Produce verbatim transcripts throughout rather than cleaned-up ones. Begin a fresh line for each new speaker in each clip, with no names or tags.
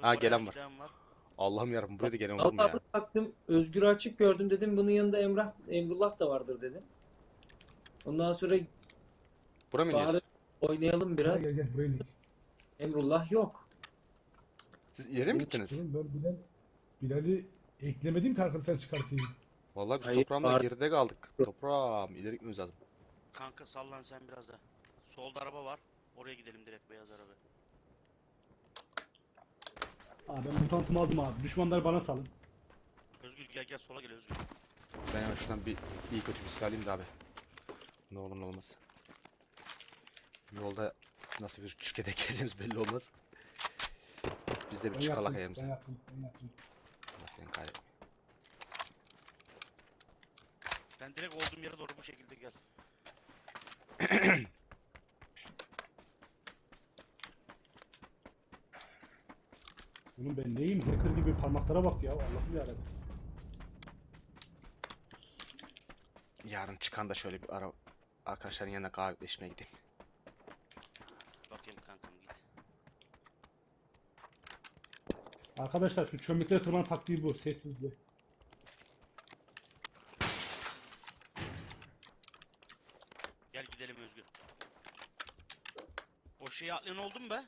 Ha,
Oraya
gelen var.
giden var.
Allah'ım yarabbim, buraya da gelen olur mu
Vallahi
ya?
baktım Özgür açık gördüm dedim bunun yanında Emrah Emrullah da vardır dedim. Ondan sonra
Bura mı
bari
iniyoruz?
oynayalım
Ha,
biraz.
gel gel buraya inek.
Emrullah yok.
Siz ileri mi
Dedim,
gittiniz?
Oğlum ben Bilal, Bilal'i eklemedim ki arkadaşlar çıkartayım.
Vallahi biz
Hayır,
toprağımla
var.
geride kaldık. Toprağım, ileri gitmemiz lazım.
Kanka sallan sen biraz da. Solda araba var. Oraya gidelim direkt, beyaz araba.
Aa, ben mutantımı aldım abi. Düşmanlar bana salın.
Özgür gel gel, sola gel Özgür.
Ben hemen şuradan bir iyi kötü bir silah alayım da abi. Ne olur ne olmaz. Yolda nasıl bir çükede geleceğimiz belli olmaz. Biz de bir
Ben
çıkalak
yaptım,
ayağımıza.
ben yaptım, ben yaptım.
Allah seni kahretsin.
Sen direkt olduğum yere doğru bu şekilde gel.
Oğlum ben neyim? Hacker gibi parmaklara bak ya. Allah'ım yarabbim.
Yarın çıkan da şöyle bir ara arkadaşların yanına kahveleşmeye gideyim.
Bakayım kankam, git.
Arkadaşlar şu çömleklere tırman taktiği bu. Sessizliği.
Gel gidelim Özgür. O şeyi atlayan oldu mu be?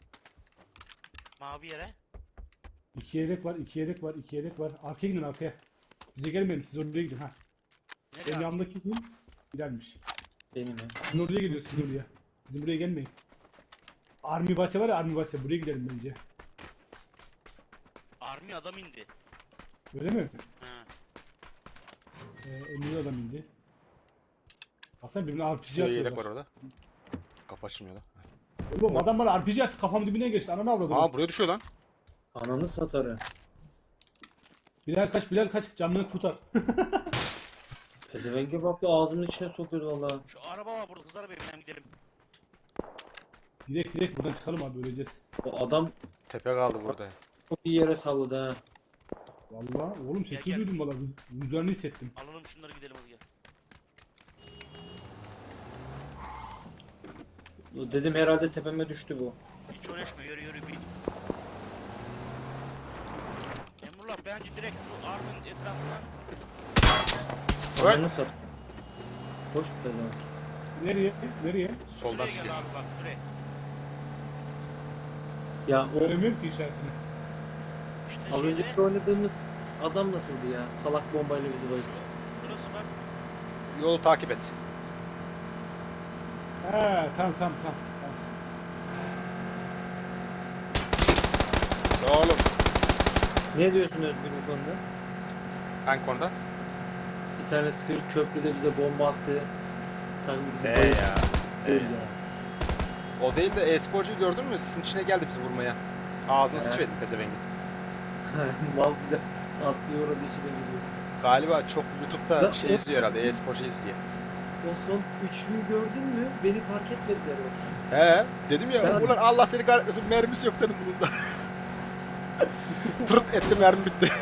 Mavi yere.
İki yedek var, iki yedek var, iki yedek var. Arkaya gidin arkaya. Bize gelmeyin, siz oraya gidin ha.
Nereye
Benim
abi?
yanımdaki kim? Bilal'miş.
Benim ya.
Sizin oraya geliyor, sizin oraya. Bizim buraya gelmeyin. Army base var ya, Army base. Buraya gidelim bence.
Army adam indi.
Öyle mi?
Ha.
Ee, Emre'nin adam indi. Baksana birbirine R P G
Şey yelek var
atıyorlar.
orada. Kapı açılmıyor da.
Oğlum adam bana R P G attı, kafam dibine geçti. Ananı avladım.
Aa, buraya düşüyor lan.
Ananı satarı.
Bilal kaç, Bilal kaç. Camını kurtar.
Pezevenge bak bu ağzımın içine sokuyordu valla.
Şu araba var burada, kızlar benim, gidelim.
Direkt direkt buradan çıkalım abi, öleceğiz.
O adam
Tepe kaldı burada.
çok iyi yere salladı ha.
Vallahi oğlum
Gel,
sesi
gel.
duydum valla. Rüzgarını hissettim.
Alalım şunları, gidelim hadi gel.
Dedim herhalde tepeme düştü bu.
Hiç uğraşma, yürü yürü bir. Emrullah bence direkt şu Army'nin etrafından.
Evet.
Ananı sat. Boş pezevenk.
Nereye? Nereye?
Soldan
Şuraya
sıkıyor.
gel abi, bak şuraya.
Ya o
Göremiyorum ki içerisini.
İşte
az
şeyde,
önceki oynadığımız adam nasıldı ya? Salak bombayla bizi bayılttı.
şu, şurası bak.
Yolu takip et.
He tamam tamam tamam. tamam.
Ya oğlum.
Ne diyorsun Özgür bu konuda?
Hangi konuda?
Bir tane sır köprüde bize bomba attı. Tabii bizi
Ee
bayılttı.
ya. Ee.
ya.
O değil de e-sporcuyu gördün mü? Sizin içine geldi bizi vurmaya. Ağzını
He.
sıçradı pezevengi.
Mal bir de atlıyor orada içine gidiyor.
Galiba çok YouTube'da
Da-
şey izliyor herhalde, e-sporcu izliyor.
O son üçlüyü gördün mü? Beni fark etmediler orada.
He, dedim ya,
Ben-
ulan Allah seni kahretmesin, mermisi yok dedim bunun da. Tırıt etti, mermi bitti.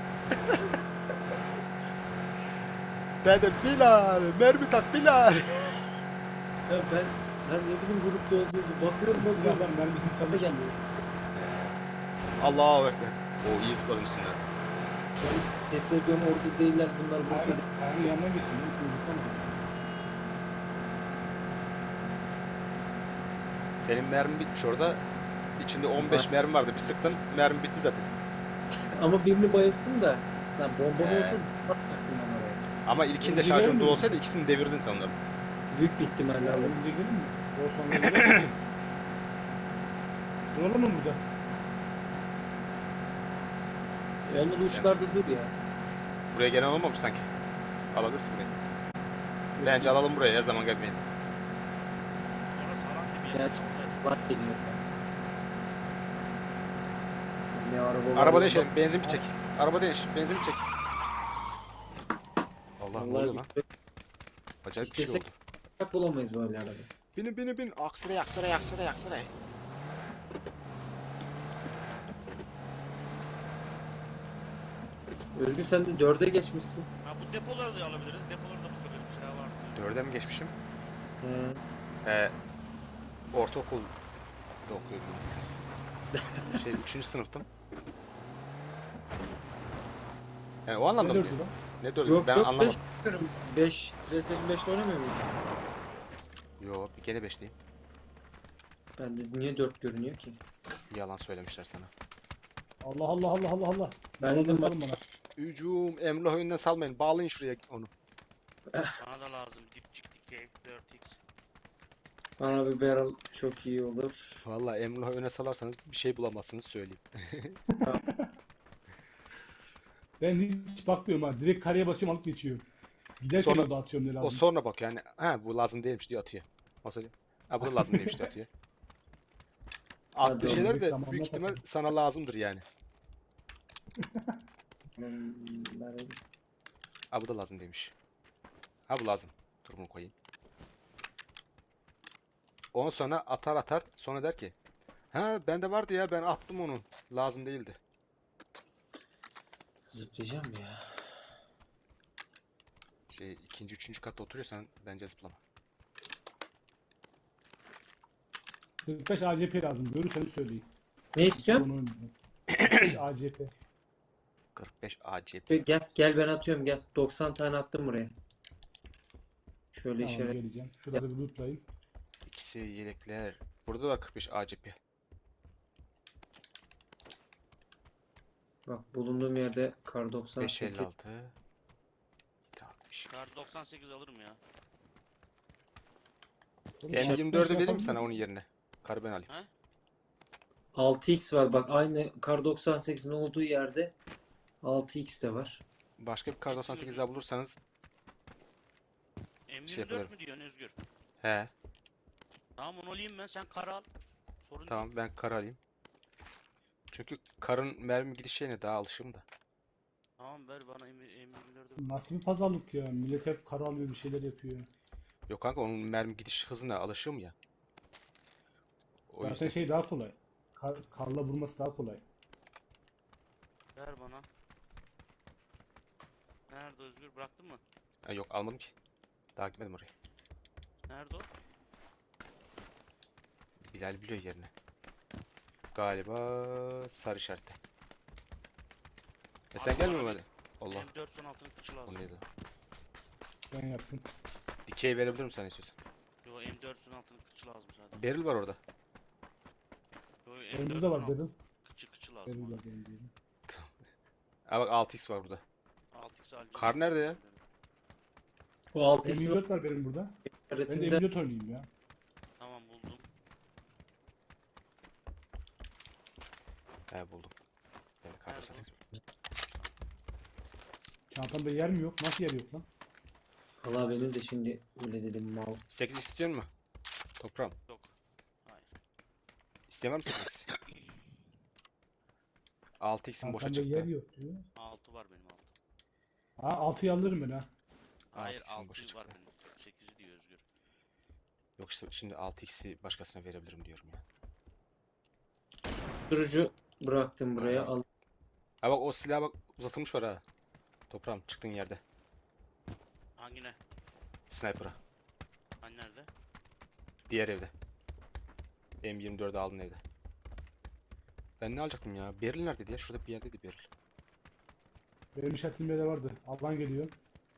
Dedim Bilal, mermi tak Bilal.
Ya ben ben ne bileyim grupta olduğunuzu bakıyorum bakıyorum.
Silahlar mermisini
Sana
çaldı.
gelmiyor.
Allahu ekber. O iyi zıpladı üstünden.
Ben sesleniyorum orada değiller bunlar burada.
Ayağının ayağının yanına geçsin. Hiç unutmam.
Senin mermi bitmiş orada. İçinde on beş mermi vardı. Bir sıktın, mermi bitti zaten.
Ama birini bayılttım da. Lan bomba
He.
olsa bakacaktım ben oraya.
Ama ilkinde
Önce
şarjörde
gelmiyor.
olsaydı ikisini devirdin sen onları.
Büyük bir ihtimalle alırım.
Önce gelin mi? O sonra gidelim mi? Duralım mı burada?
Olmadı uçlarda dur ya.
Buraya gelen olmamış sanki. Alabilirsin burayı. Bence alalım buraya, her zaman gelmeyin.
Orası alan dibi
Ya,
ya.
Var geliyor. Ne araba var.
Araba
ya.
değişelim, benzin bir çek. Araba değiş, benzin bir çek. Allah, ne oluyor
Vallahi
lan? Acayip bir şey
İstesek-
oldu.
bak bulamayız böyle araba.
Binin binin bin. Aksire aksire aksire aksire.
Özgür sen de dörde geçmişsin.
Ha, bu depoları da alabiliriz. Depolarda bu kadar bir silah var.
Dörde mi geçmişim?
He.
Ee, ortaokul da okuyordum. Şey, üçüncü sınıftım. Yani o anlamda
Ne
mı
dördü
diyor?
lan?
Ne dördü?
Yok
Ben
yok
anlamadım.
beş. PlayStation beşte oynamıyor muydun?
Yok, bir gene beşteyim.
Ben de niye dört görünüyor ki?
Yalan söylemişler sana.
Allah Allah Allah Allah Allah.
Ben dedim bak
Salın bana.
Hücum, Emrah önünden salmayın. Bağlayın şuraya onu.
Bana da lazım. Dipçik dikey dört x.
bana bir barrel çok iyi olur.
Vallahi Emrah'ı öne salarsanız bir şey bulamazsınız söyleyeyim.
Ben hiç bakmıyorum ha. Direkt kareye basıyorum alıp geçiyorum. Giderken
Sonra-
o da atıyorum ne
O
lazım.
sonra bak yani. Ha bu lazım değilmiş diyor atıyor. Masacı. Ha bu da lazım değilmiş diyor atıyor.
Hadi
Attığı
oğlum,
şeyler
bir
de
zamanla
büyük ihtimal
tabii.
sana lazımdır yani.
Hmm, barrel.
Ha bu da lazım demiş. Ha bu lazım. Dur bunu koyayım. Ondan sonra atar atar. Sonra der ki. Ha bende vardı ya ben attım onu. Lazım değildi.
Zıplayacağım ya.
Şey ikinci üçüncü katta oturuyorsan bence zıplama.
kırk beş A C P lazım. Görürseniz söyleyin.
Ne istiyorsun?
Onu oynayacağım. kırk beş A C P.
kırk beş A C P.
Gel gel ben atıyorum gel. doksan tane attım buraya. Şöyle
Tamam
işaret.
geleceğim. Şurada bir lootlayayım.
İkisi yelekler. Burada da var kırk beş A C P.
Bak bulunduğum yerde kar
beş
doksan
elli
sekiz.
altı. Tamam.
Kar doksan sekiz alırım ya.
Oğlum,
M
kırk
yirmi
beş
dördü vereyim mi
yapalım
sana
mı?
onun yerine? Karı ben alayım.
altı x var bak aynı kar doksan sekizin olduğu yerde altı x de var.
Başka bir kar doksan sekiz daha bulursanız
M yirmi dört
yapıyorum.
mü diyorsun Özgür?
he
Tamam onu alayım ben sen kar al. Sorun
tamam
değil.
ben kar alayım. Çünkü karın mermi gidiş şeyine daha alışığım da.
Tamam ver bana M yirmi dördü.
Nasıl bir pazarlık ya? Millet hep kara alıyor bir şeyler yapıyor.
Yok kanka onun mermi gidiş hızına alışığım ya. O
Zaten
yüzden
şey daha kolay. Kar, karla vurması daha kolay.
Ver bana. Nerede Özgür? Bıraktın mı?
Ha, yok almadım ki. Daha gitmedim oraya.
Nerede o?
Bilal biliyor yerini. Galiba sarı işarette. E sen
Abi
gelmiyor
bana
mu hadi? Allah.
M dört son altının kıçı
O
lazım.
neydi?
Ben yaptım.
Dikey verebilirim sana istiyorsan.
Yo M dört son altının kıçı lazım zaten.
Beril var orada.
Yo
Benim
M dört
burada var
son altı
dedim.
kıçı kıçı lazım.
Benim
bana.
burada benim diyelim.
Ha bak altı x var burada.
altı x alacağım.
Kar nerede ya?
O altı x
M yirmi dört var benim burada. Ben de M
işaretinde
yirmi dört oynayayım ya.
Tamam buldum.
He buldum. Yani kar
Nerede
doksan sekiz.
Çantamda yer mi yok? Nasıl yer yok lan?
Valla benim de şimdi öyle dedim mal.
sekiz istiyor mu? Toprağım.
Yok. Hayır.
İsteyen var mı sekiz x? altı x'in boşa
Çantamda yer
çıktı.
yok diyor.
altı var benim altı.
Ha altıyı alırım ben ha.
Hayır
altı x'in boşa
altı var
çıktı.
benim. sekizi diyor Özgür.
Yok işte şimdi altı x'i başkasına verebilirim diyorum ya.
Durucu bıraktım buraya.
Tamam.
Al.
Ha bak o silah bak uzatılmış var ha. Toprağım çıktığın yerde.
Hangi ne?
Sniper'a.
Hani nerede?
Diğer evde. M yirmi dördü aldın evde. Ben ne alacaktım ya? Beril neredeydi ya? Şurada bir yerdeydi Beril.
Benim işaretimde de vardı. Alan geliyor.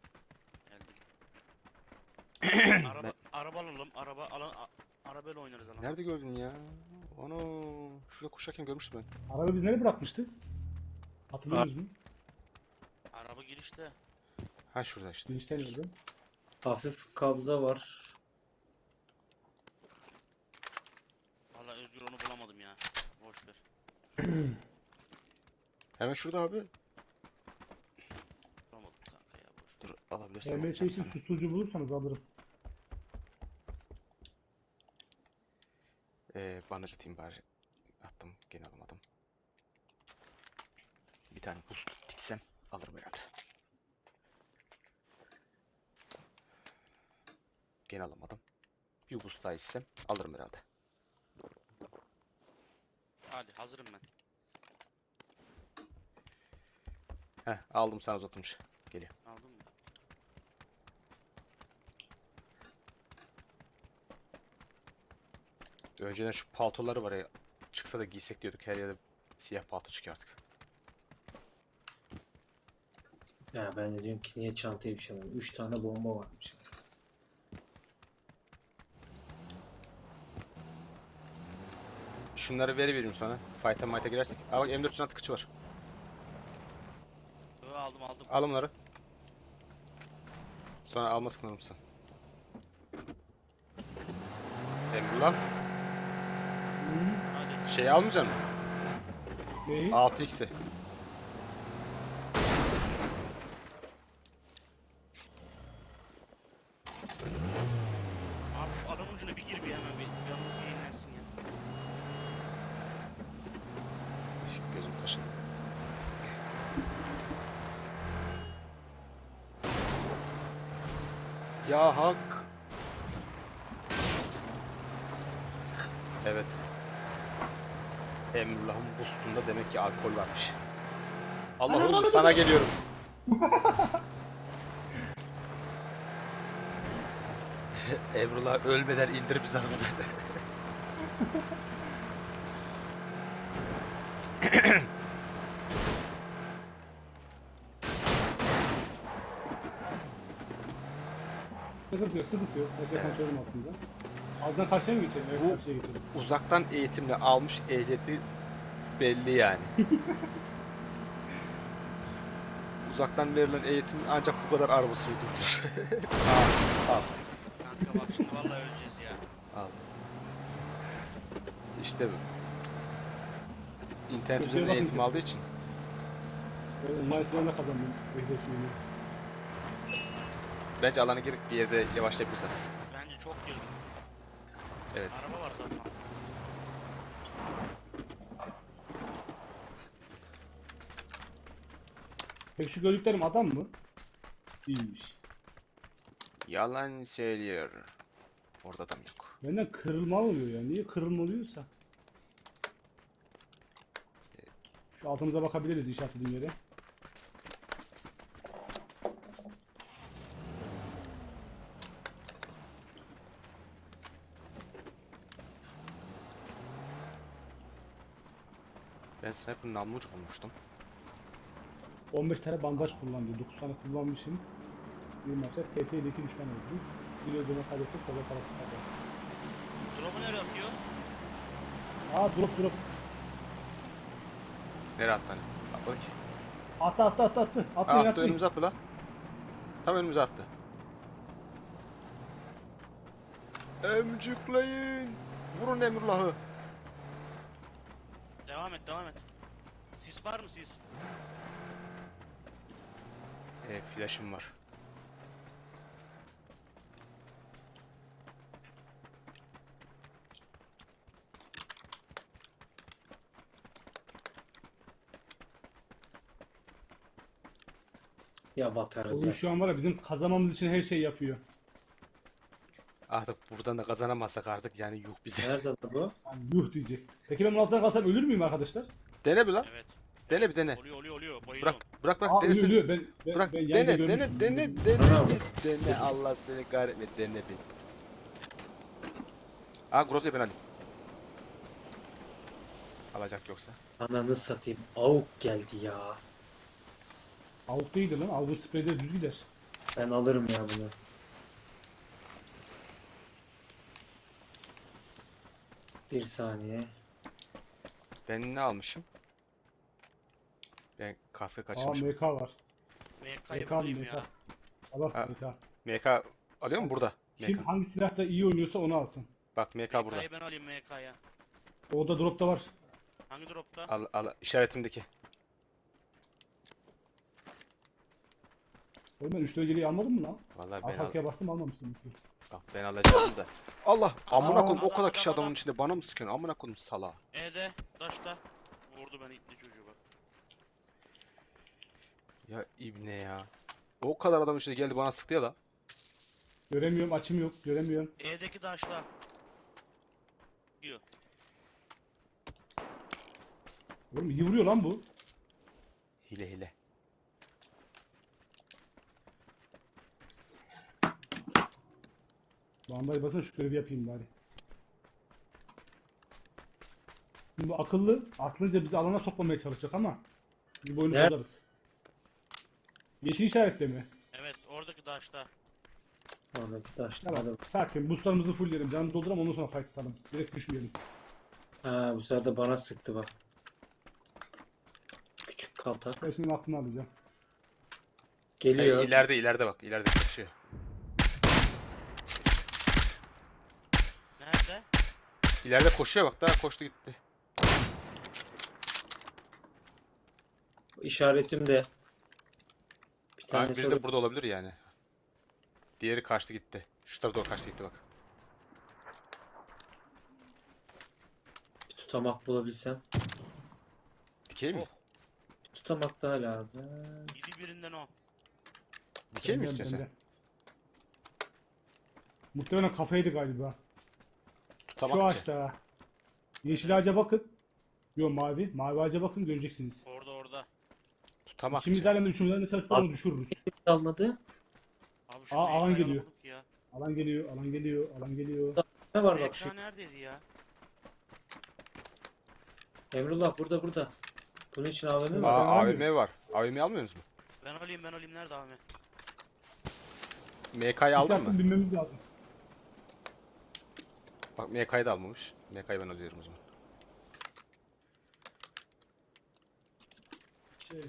Geldim. araba araba alalım. Araba alan a- arabayla oynarız alan.
Nerede gördün ya? Onu şurada koşarken görmüştüm ben.
Araba biz nereye bırakmıştık? Hatırlıyor musun?
Araba girişte.
Ha şurada işte.
Girişten nerede?
Hafif kabza var.
Valla Özgür onu bulamadım ya. Boş ver.
Hemen şurada abi.
Bulamadım kanka ya boş ver.
Dur alabilirsen
M S
alacağım
için
sana.
susturucu bulursanız alırım.
Ee, bandaj atayım bari. Attım gene alamadım. Bir tane boost diksem alırım herhalde. Gene alamadım. Bir boost daha içsem alırım herhalde.
Hadi hazırım ben.
Heh aldım sana uzatılmış. Geliyor.
Aldın mı?
Önceden şu paltoları var ya. Çıksa da giysek diyorduk. Her yerde siyah palto çıkıyor artık.
Ya ben de diyorum ki niye çantaya bir şey alalım. üç tane bomba varmış.
Şunları veri vereyim sana. Fight'a might'a girersek. Aa bak M dört yüz altı kıçı var.
Yo, aldım aldım.
Al bunları. Sonra alma sıkılır mısın? Emrullah.
Hmm.
Hadi.
Şeyi almayacak mısın?
Neyi?
altı x'i.
Abi şu alan ucuna bir gir bir hemen bir canımız bir yenilensin ya.
Gözüm kaşındı. Ya hak. Evet. Emrullah'ın boostunda demek ki alkol varmış. Allah
Ana,
oğlum
ana,
sana
ana.
geliyorum. Emrullah ölmeden indir bizi arabadan.
Sıkıntı yok, sıkıntı yok. Her şey kontrolüm altında. Altından karşıya mı geçelim? Evet,
Bu-
karşıya geçelim.
Uzaktan eğitimle almış ehliyeti belli yani. Uzaktan verilen eğitim ancak bu kadar araba sürdürür. al, al,
Kanka bak şimdi vallahi öleceğiz ya.
al. İşte bu. İnternet
Kötüye
üzerinden
bakın
eğitim
ki.
aldığı için.
Ben online sınavında kazandım. Ehliyet sınavını.
Bence alana girip bir yerde yavaşlayabiliriz zaten.
Bence çok girdim.
Evet.
Araba var zaten.
Peki şu gördüklerim adam mı? Değilmiş.
Yalan söylüyor. Orada adam yok.
Benden kırılma oluyor ya. Niye kırılma oluyorsa? Şu altımıza bakabiliriz işaretlediğim yere.
Ben sniper'ın namlucu bulmuştum.
on beş tane bandaj kullandı. dokuz tane kullanmışım. Bir maçta T T ile iki düşman öldürmüş. Bir öldürme kaybettik. Kola parası kaldı.
Drop'u nereye atıyor?
Aa drop drop.
Nereye attı hani? Atladı ki.
Attı attı attı attı.
Aa,
Atlayın
attı
atlayın.
önümüze attı la. Tam önümüze attı. Emcükleyin. Vurun Emrullah'ı.
Devam et devam et. Sis var mı sis?
Evet, flash'ım var.
Ya batarız
Oyun
ya.
şu an var ya bizim kazanmamız için her şey yapıyor.
Artık buradan da kazanamazsak artık yani yuh bize.
Nerede lan bu?
Yani yuh diyecek. Peki ben bunun altından kalsam ölür müyüm arkadaşlar?
Dene bir lan.
Evet.
Dene bir dene.
Oluyor oluyor oluyor.
Bırak
Bayılıyorum.
bırak bırak
Aa ölüyor
denesin.
ölüyor. Ben, ben,
Bırak
ben yayında
dene
görmüştüm.
dene dene dene
Bravo.
dene dene Allah seni kahretme dene bir. Aa Groza'yı ben alayım. Alacak yoksa.
Ananı satayım. Avuk geldi ya.
Avuk değildi lan. Avuk spreyde düz gider.
Ben alırım ya bunu. Bir saniye.
Ben ne almışım? Ben kaskı
Aa
kaçırmışım.
M K var.
M
M
K'yı
K
bulayım
M K.
ya.
Allah
Ha.
M K.
M K alıyor mu burada?
Kim
M K.
hangi silahta iyi oynuyorsa onu alsın.
Bak M K burada.
M K'yı ben alayım M K'ya.
Orada dropta var.
Hangi dropta?
Al al işaretimdeki.
Oğlum ben üç dereceliği almadım mı lan?
Vallahi ben al.
Arkaya bastım almamıştım.
Bak ben alacağım da. Allah amına
Aa,
koyayım o
adam,
kadar kişi
adam,
adamın
adam.
içinde bana mı sıkıyorsun amına koyayım sala.
E'de, daşta. Vurdu beni itli çocuğu bak.
Ya ibne ya. O kadar adam içinde geldi bana sıktı ya la.
Göremiyorum, açım yok, göremiyorum.
E'deki daşta. Diyor.
Oğlum iyi vuruyor lan bu.
Hile hile.
Bandayı bakın şu görevi yapayım bari. Şimdi bu akıllı, aklınca bizi alana sokmamaya çalışacak ama biz bu oyunu
Nerede?
bozarız. Yeşil işaretle mi?
Evet oradaki taşta.
Oradaki taş.
Tamam.
Hadi.
Sakin. Boostlarımızı fullleyelim. Canı dolduram ondan sonra fight atalım. Direkt düşmeyelim.
Ha, bu sefer de bana sıktı bak. Küçük kaltak.
Ben şimdi aklını alacağım.
Geliyor.
Hey, ileride ileride bak. İleride koşuyor.
Nerede?
İleride koşuyor bak. Daha koştu gitti.
İşaretim de. Bir
Abi
tane
biri
soru.
de burada olabilir yani. Diğeri kaçtı gitti. Şu tarafa doğru kaçtı gitti bak.
Bir tutamak bulabilsem.
Dikey mi?
Oh.
Bir tutamak daha lazım.
Yedi birinden o.
Dikey mi
Benden,
istiyorsun sen?
benden. Muhtemelen kafaydı galiba. Şu
Tutamak mı?
ağaçta. Yeşil ağaca bakın. Yo mavi. Mavi ağaca bakın göreceksiniz.
Orada orada.
Tutamak.
İkimiz aynı anda üçümüzden de çalışırsa onu düşürürüz.
Kalmadı.
Abi şu
Aa, alan
ekranı
geliyor.
bulduk ya.
Alan geliyor, alan geliyor, alan geliyor.
Ne var bak şu.
Ekran neredeydi ya?
Emrullah burada burada. Bunun için A V M mi
Aa,
var?
Aa,
ben
A V M var. A V M'yi almıyorsunuz mu?
Ben alayım ben alayım nerede abi?
M K'yı aldın mı?
Bilmemiz lazım.
Bak M K'yı da almamış. M K'yı ben alıyorum o zaman.
Şey.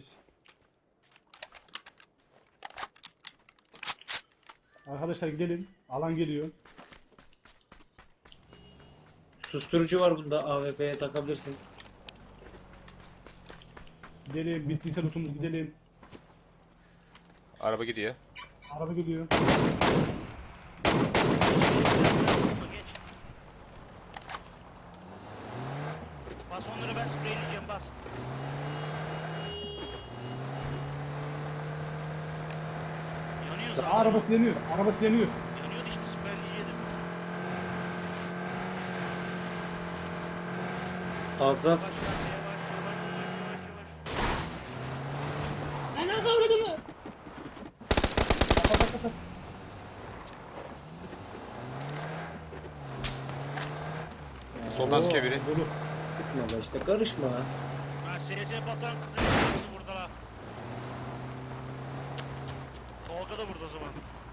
Arkadaşlar gidelim. Alan geliyor.
Susturucu var bunda. A W P'ye takabilirsin.
Gidelim. Bittiyse lootumuz gidelim.
Araba gidiyor.
Araba geliyor.
Burada geç. Bas onları ben spreyleyeceğim bas. Yanıyor zaten.
Arabası yanıyor. Arabası yanıyor.
Yanıyordu işte spreyleyecektim.
Hassas.
Yavaş yavaş yavaş yavaş yavaş yavaş.
Ana kavradını. Kapat kapat.
Soldan sıkıyor biri.
Dolu.
Gitme be işte karışma.
Ha S S batan kızın kızı burada la. Tolga da burada o zaman.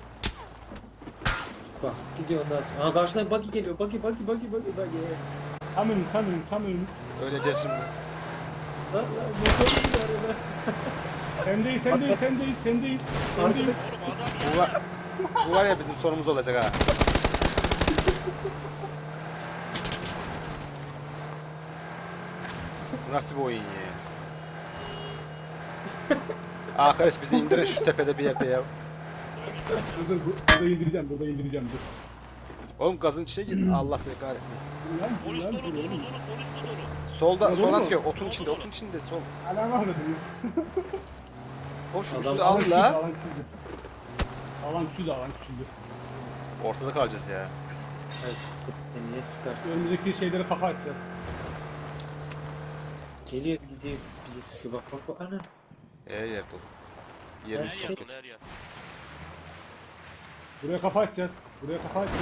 Bak gidiyor ondan sonra. Aha karşıdan Buggy geliyor. Buggy Buggy Buggy Buggy Buggy.
Tam önüm, tam önüm, tam önüm.
Öleceğiz şimdi.
Lan lan motor gidiyor arada.
Sendeyiz, sendeyiz, sendeyiz, sendeyiz. Sendeyiz.
Oğlum adam
Bu
ya.
var, bu var ya bizim sonumuz olacak ha. Bu nasıl bir oyun ya? Arkadaş bizi indirin şu tepede bir yerde ya.
Dur dur, bu- burada indireceğim, burada indireceğim, dur.
Oğlum gazın içine gir. Allah seni kahretmeyin.
Dur lan,
Sol
dur
üst
lan,
dolu
dur
dolu
oğlum.
dolu sol üst dolu.
Solda,
Ya,
soldan
doğru mu?
sıkıyor. Otun
Doğru,
içinde,
doğru.
otun içinde sol.
Alan var mı diyor.
Koş
Adam-
üstü
Alan
al
küçüldü,
la.
alan küçüldü. Alan küçüldü, alan küçüldü.
Ortada kalacağız ya.
Hayır. Sen niye sıkarsın?
Önümüzdeki şeylere kafa atacağız.
Geliyor gidiyor bizi sıkıyor. Bak bak bak. Ana.
E yer dolu. Yerimiz
Her
çok
yer
kötü.
dolu her yer.
Buraya kafa atacağız. Buraya kafa atacağız.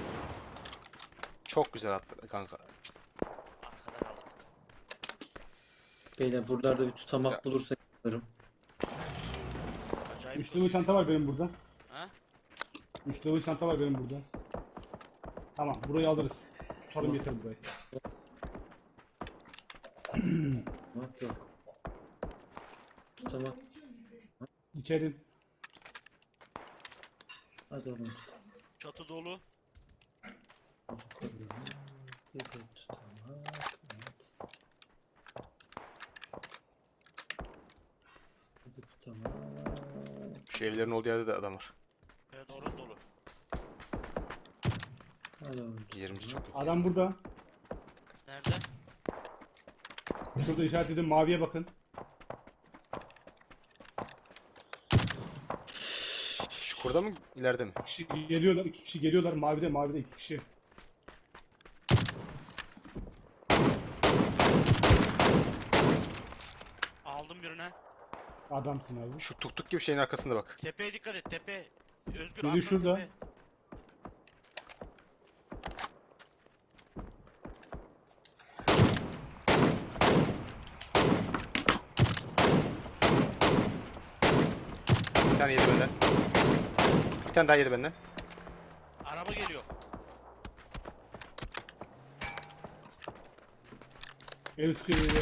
Çok güzel attı kanka.
Arkada kaldık.
Beyler buralarda bir tutamak
Ya.
bulursak alırım.
Acayip
Üç level
hızlı.
çanta var benim burada.
Ha?
Üç level çanta var benim burada. Tamam, burayı alırız. Tutalım yeter burayı.
Tutamak yok. Tutamak.
İçeri.
Hadi oğlum tutamak.
Çatı dolu.
Bir de tutamak. Evet. Hadi tutamak.
Şu evlerin olduğu yerde de adam var.
Evet orada dolu.
Hadi oğlum.
Yerimiz çok kötü.
Adam burada.
Nerede?
Şurada işaretledim, maviye bakın.
Şu kurda mı ileride mi?
İki kişi geliyorlar, iki kişi geliyorlar. Mavide, mavide iki kişi.
Aldım birine.
Adamsın abi.
Şu tuk tuk gibi şeyin arkasında bak.
Tepeye dikkat et tepe. Özgür
Biri
atla
şurada.
tepe.
Bir tane daha yedi benden.
Araba geliyor.
Ev sıkıyor evi.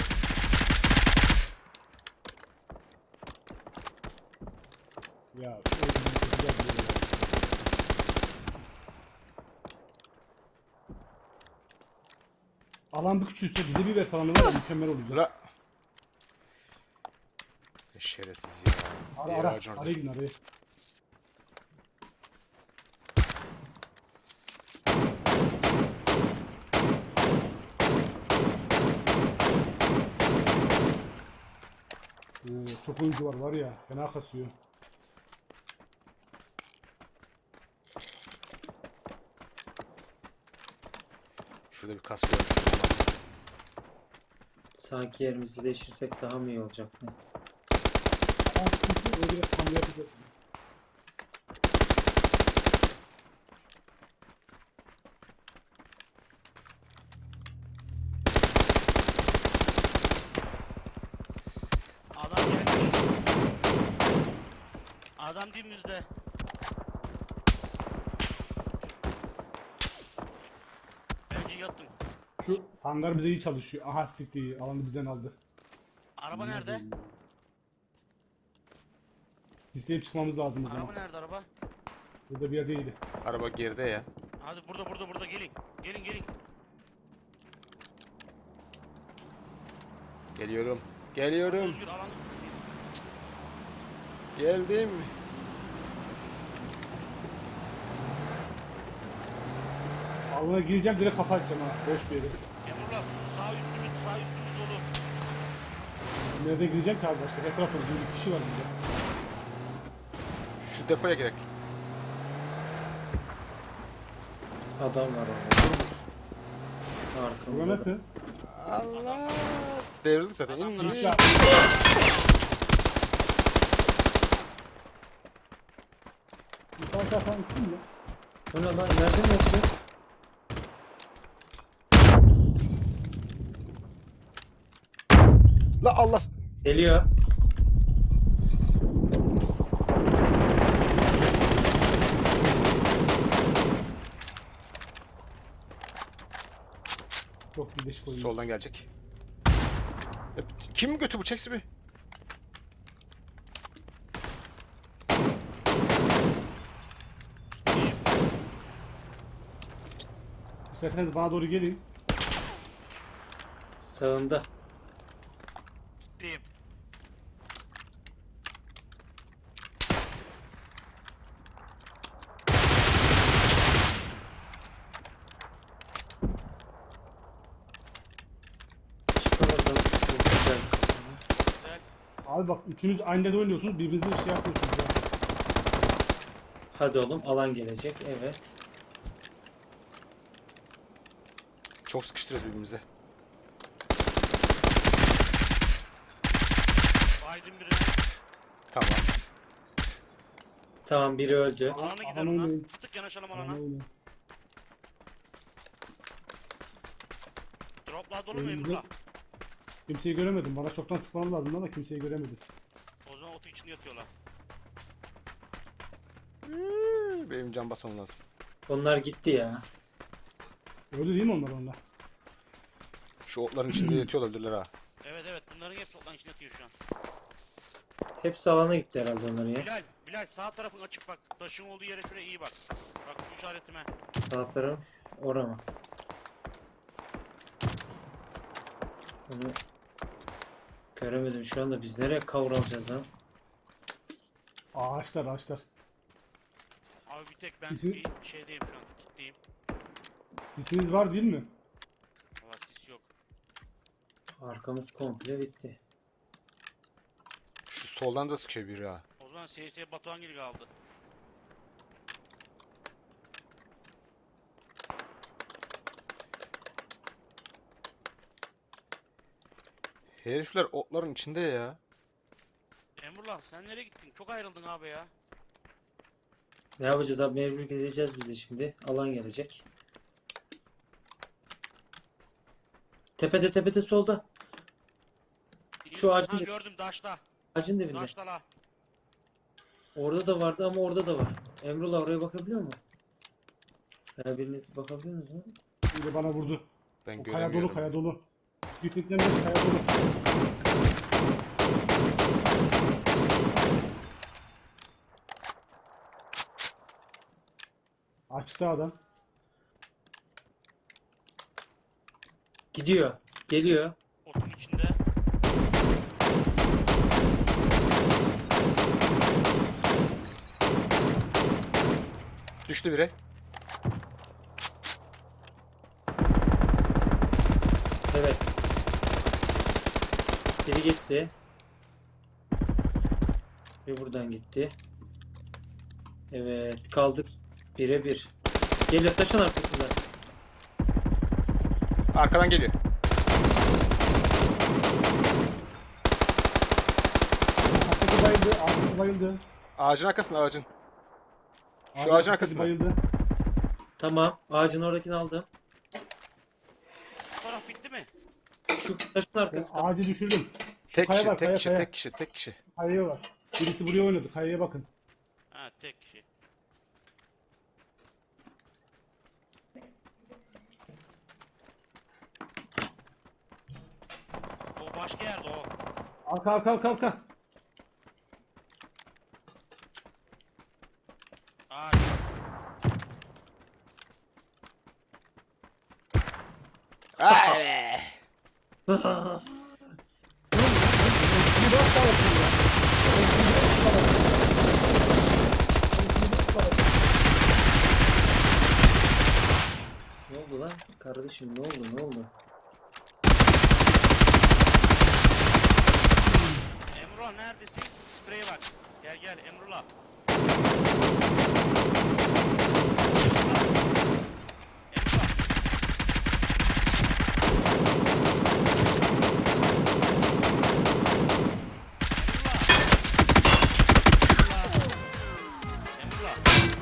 Ya şu evin güzel bir yeri. Alan bir küçülse bize bir verse alanı var ya mükemmel olacak.
La. Şerefsiz ya.
Ara
Diğer
ara.
ağacın orada.
Araya gidin araya. Oo, çok oyuncu var var ya. Fena kasıyor.
Şurada bir kas gördüm.
Sanki yerimizi değiştirsek daha mı iyi olacak ne?
Ama sıkıntı öyle bir hamle yapacağız.
Adam gelmiş. Adam dibimizde. Bence yattım.
Şu hangar bize iyi çalışıyor. Aha siktir iyi. Alanı bizden aldı.
Araba nerede?
Sisleyip çıkmamız lazım o zaman.
Araba nerede araba?
Burada bir yerdeydi.
Araba geride ya.
Hadi burada burada burada gelin. Gelin gelin.
Geliyorum. Geliyorum.
Özgür alan.
Geldim.
Alana gireceğim direkt kafa açacağım ha. Boş bir yere.
Emrullah sağ üstümüz sağ üstümüz dolu.
Nerede gireceğim ki abi başka? Etrafta bir kişi var burada.
Şu depoya gerek.
Adam var orada.
Burada
Arkamızda.
nasıl?
Allah. Devrildik zaten. İn,
Adamlar
in.
aşağı.
Bir tane daha falan kim ya?
O ne lan? Nereden yaptı?
La Allah.
Geliyor.
Çok birleşik oyun.
Soldan gelecek. Ya, kim götü bu çeksi bir?
İsterseniz bana doğru gelin.
Sağında.
Diyeyim.
Çıkar oradan. Çok güzel.
Güzel.
Abi bak üçünüz aynı yerde oynuyorsunuz. Birbirinize bir şey yapıyorsunuz ya.
Hadi oğlum alan gelecek. Evet.
Çok sıkıştırıyoruz birbirimize.
Aydın biri.
Tamam.
Tamam biri öldü.
Alana
Alan
gidelim lan.
oynayın.
Bir tık yanaşalım
Alan
alana.
oynayın.
Droplar dolu mu
Önümüzde-
Emrullah?
Kimseyi göremedim. Bana çoktan spawn lazım ama kimseyi göremedim.
O zaman otu içinde yatıyorlar.
Hmm, Benim can basmam lazım.
Onlar gitti ya.
Öyle değil mi onlar onlar?
Şu otların içinde yatıyor olabilirler ha.
Evet evet bunların hepsi otların içinde yatıyor şu an.
Hepsi alana gitti herhalde onların ya.
Bilal, Bilal sağ tarafın açık bak. Taşın olduğu yere şuraya iyi bak. Bak şu işaretime.
Sağ taraf orama. Onu göremedim şu anda. Biz nereye kavralacağız lan?
Ağaçlar ağaçlar.
Abi bir tek ben
Sizin-
bir şeydeyim şu an. Kitleyim.
Sisiniz var değil mi?
Valla sis yok.
Arkamız komple bitti.
Şu soldan da sıkıyor biri ha.
O zaman S S Batuhan gibi kaldı.
Herifler otların içinde ya.
Emrullah sen nereye gittin? Çok ayrıldın abi ya.
Ne yapacağız abi? Mecbur gideceğiz biz de şimdi. Alan gelecek. Tepede tepede solda. Şu ağacın-
Ha gördüm Daş'ta.
Ağacın dibinde.
Daş'ta la.
Orada da vardı ama orada da var. Emrullah oraya bakabiliyor mu? Her biriniz bakabiliyor musunuz?
Biri bana vurdu.
Ben
O kaya dolu,
göremiyorum.
kaya dolu. Gittikten beri kaya dolu. Açtı adam.
Gidiyor. Geliyor.
Otun içinde.
Düştü biri.
Evet. Biri gitti. Bir buradan gitti. Evet. Kaldık. Bire bir. Geliyor taşın arkasında.
Arkadan geliyor.
Arkası bayıldı, arkası bayıldı.
Ağacın arkasında ağacın. Şu
Ağacın
ağacın
arkası
arkasında.
bayıldı.
Tamam. Ağacın oradakini aldım.
Bu taraf bitti mi?
Şu taşın
Ben
arkası.
ağacı düşürdüm. Şu
Tek
kaya
kişi,
var,
tek
kaya,
kişi,
kaya.
tek kişi, tek kişi.
Kayaya var. Birisi buraya oynadı, kayaya bakın.
Ha tek kişi. O başka yerde o.
Arka, arka, arka, arka.
Aa,
Ay!
Ne oldu lan? Kardeşim ne oldu? Ne oldu?
Emrullah neredesin? Spreye bak. Gel gel Emrullah. Emrullah. Emrullah.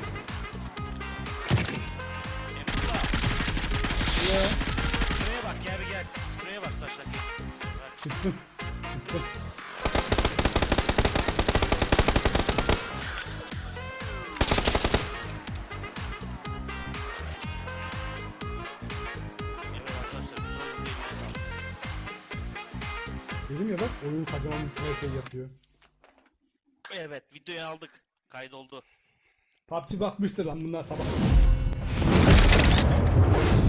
Emrullah. Emrullah. Spreye bak gel bir gel. Spreye bak taşlar. Bak.
Çıktım. Çıktım.
Evet arkadaşlar biz oyun değil mi?
Dedim ya bak, oyun kazanmış her şey yapıyor.
Evet videoyu aldık. Kaydoldu.
P U B G bakmıştır lan bunlar sabah.